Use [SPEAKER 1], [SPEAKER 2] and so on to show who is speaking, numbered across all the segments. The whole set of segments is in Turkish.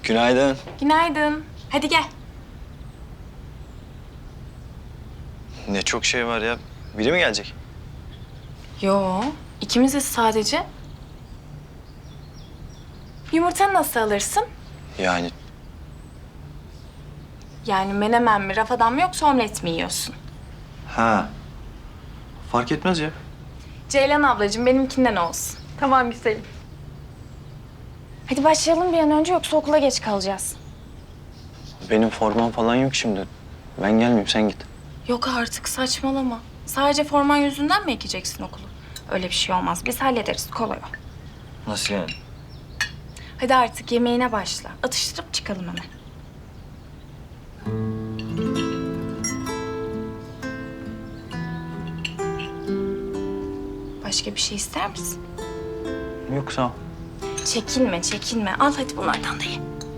[SPEAKER 1] Günaydın.
[SPEAKER 2] Günaydın. Hadi gel.
[SPEAKER 1] Ne çok şey var ya. Biri mi gelecek?
[SPEAKER 2] Yo, ikimiziz sadece. Yumurtanı nasıl alırsın?
[SPEAKER 1] Yani
[SPEAKER 2] Yani menemen mi, rafadan mı yoksa omlet mi yiyorsun?
[SPEAKER 1] ha. Fark etmez ya.
[SPEAKER 2] Ceylan ablacığım benimkinden olsun.
[SPEAKER 3] Tamam güzelim.
[SPEAKER 2] Hadi başlayalım bir an önce yoksa okula geç kalacağız.
[SPEAKER 1] Benim formam falan yok şimdi. Ben gelmeyeyim, sen git.
[SPEAKER 2] Yok artık saçmalama. Sadece forman yüzünden mi ekeceksin okulu? Öyle bir şey olmaz. Biz hallederiz. Kolay o.
[SPEAKER 1] Nasıl yani?
[SPEAKER 2] Hadi artık yemeğine başla. Atıştırıp çıkalım hemen. Başka bir şey ister misin?
[SPEAKER 1] Yok sağ ol.
[SPEAKER 2] Çekinme, çekinme. Al hadi bunlardan da ye.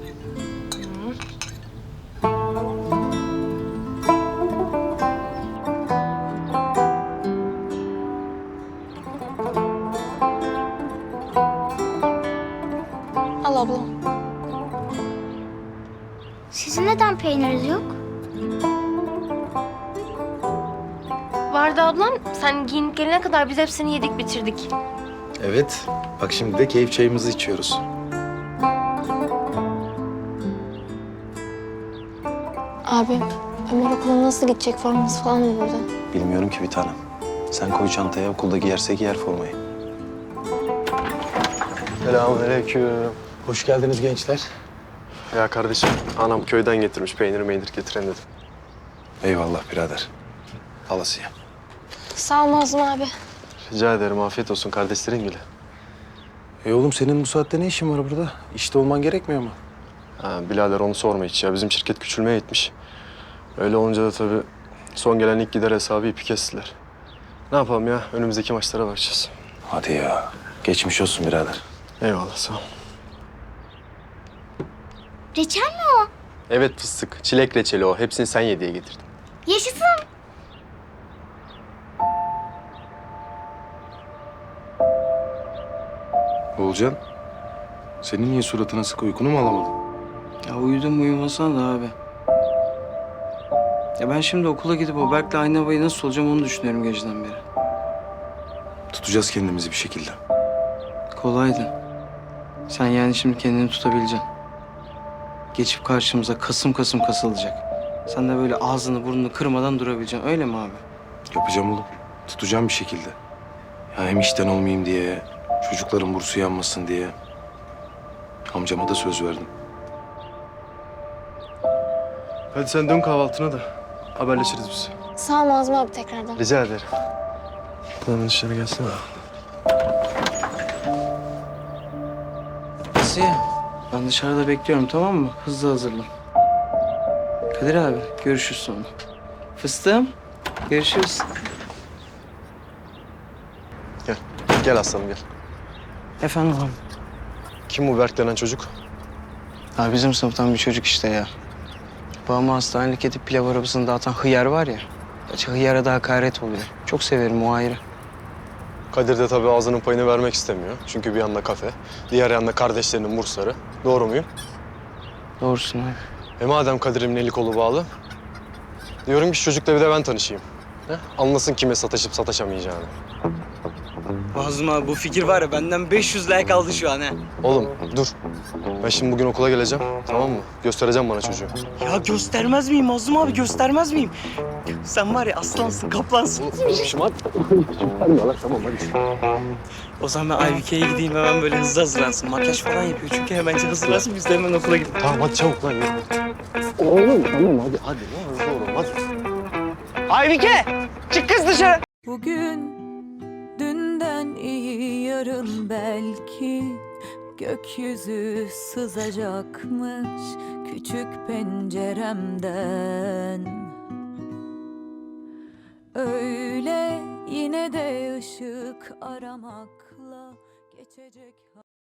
[SPEAKER 3] Al abla.
[SPEAKER 4] Sizin neden peyniriniz yok?
[SPEAKER 3] Vardı ablam. Sen giyinip gelene kadar biz hepsini yedik bitirdik.
[SPEAKER 5] Evet. Bak şimdi de keyif çayımızı içiyoruz.
[SPEAKER 6] Abi, Ömer okula nasıl gidecek? Forması falan mı burada?
[SPEAKER 5] Bilmiyorum ki bir tanem. Sen koy çantaya, okulda giyerse giyer formayı.
[SPEAKER 7] Selamünaleyküm.
[SPEAKER 5] Hoş geldiniz gençler.
[SPEAKER 7] Ya kardeşim, anam köyden getirmiş peynir getireyim dedim.
[SPEAKER 5] Eyvallah birader. Alasıya.
[SPEAKER 6] Sağ ol Nazım abi.
[SPEAKER 7] Rica ederim, afiyet olsun kardeşlerin bile.
[SPEAKER 5] Oğlum senin bu saatte ne işin var burada? İşte olman gerekmiyor mu?
[SPEAKER 7] Ha, birader onu sorma hiç ya, bizim şirket küçülmeye gitmiş. Öyle olunca da tabii son gelen ilk gider hesabı ipi kestiler. Ne yapalım ya, önümüzdeki maçlara bakacağız.
[SPEAKER 5] Hadi ya. Geçmiş olsun birader.
[SPEAKER 7] Eyvallah, sağ ol.
[SPEAKER 4] Reçel mi o?
[SPEAKER 7] Evet fıstık, çilek reçeli o. Hepsini sen ye diye getirdim.
[SPEAKER 4] Yaşasın.
[SPEAKER 5] Oğulcan, senin niye suratına sık uykunu mu alamadın?
[SPEAKER 8] Ya uyudum uyumasana da abi. Ya ben şimdi okula gidip o Berk'le aynı havayı nasıl olacağım onu düşünüyorum geceden beri.
[SPEAKER 5] Tutacağız kendimizi bir şekilde.
[SPEAKER 8] Kolaydı. Sen yani şimdi kendini tutabileceksin. Geçip karşımıza kasım kasım kasılacak. Sen de böyle ağzını burnunu kırmadan durabileceksin. Öyle mi abi?
[SPEAKER 5] Yapacağım oğlum. Tutacağım bir şekilde. Ya hem işten olmayayım diye, çocukların bursu yanmasın diye. Amcama da söz verdim.
[SPEAKER 7] Hadi sen dön kahvaltına da haberleşiriz biz.
[SPEAKER 6] Sağ ol Nazım abi tekrardan.
[SPEAKER 7] Rica ederim. Hemen dışarı gelsene.
[SPEAKER 8] Asiye, ben dışarıda bekliyorum tamam mı? Hızlı hazırlan. Kadir abi, görüşürüz sonra. Fıstığım, görüşürüz.
[SPEAKER 7] Gel, gel aslanım gel.
[SPEAKER 8] Efendim abi.
[SPEAKER 7] Kim bu Berk denen çocuk?
[SPEAKER 8] Abi bizim sınıftan bir çocuk işte ya. Babamı hastanelik edip pilav arabasını dağıtan hıyar var ya. Gerçi hıyara da hakaret oluyor. Çok severim o ayrı.
[SPEAKER 7] Kadir de tabii ağzının payını vermek istemiyor. Çünkü bir yanda kafe, diğer yanda kardeşlerinin bursları. Doğru muyum?
[SPEAKER 8] Doğrusun abi.
[SPEAKER 7] Madem Kadir'imin eli kolu bağlı, diyorum ki şu çocukla bir de ben tanışayım. He? Anlasın kime sataşıp sataşamayacağını.
[SPEAKER 8] Nazım abi bu fikir var ya benden 500 like aldı şu an ha.
[SPEAKER 7] Oğlum dur. Ben şimdi bugün okula geleceğim, tamam mı? Göstereceğim bana çocuğu.
[SPEAKER 8] Ya göstermez miyim Nazım abi göstermez miyim? Sen var ya aslansın kaplansın. O zaman ben Aybike'ye gideyim hemen böyle hızlı hazırlansın. Makyaj falan yapıyor çünkü hemen hazırlansın biz de hemen okula gidelim.
[SPEAKER 7] Tamam hadi çabuk lan yürü. Oğlum tamam hadi ne hızlı oğlum hadi.
[SPEAKER 8] Aybike çık kız dışarı.
[SPEAKER 9] Bugün dünden iyi yarın belki gökyüzü sızacakmış küçük penceremden. Öyle yine de ışık aramakla geçecek.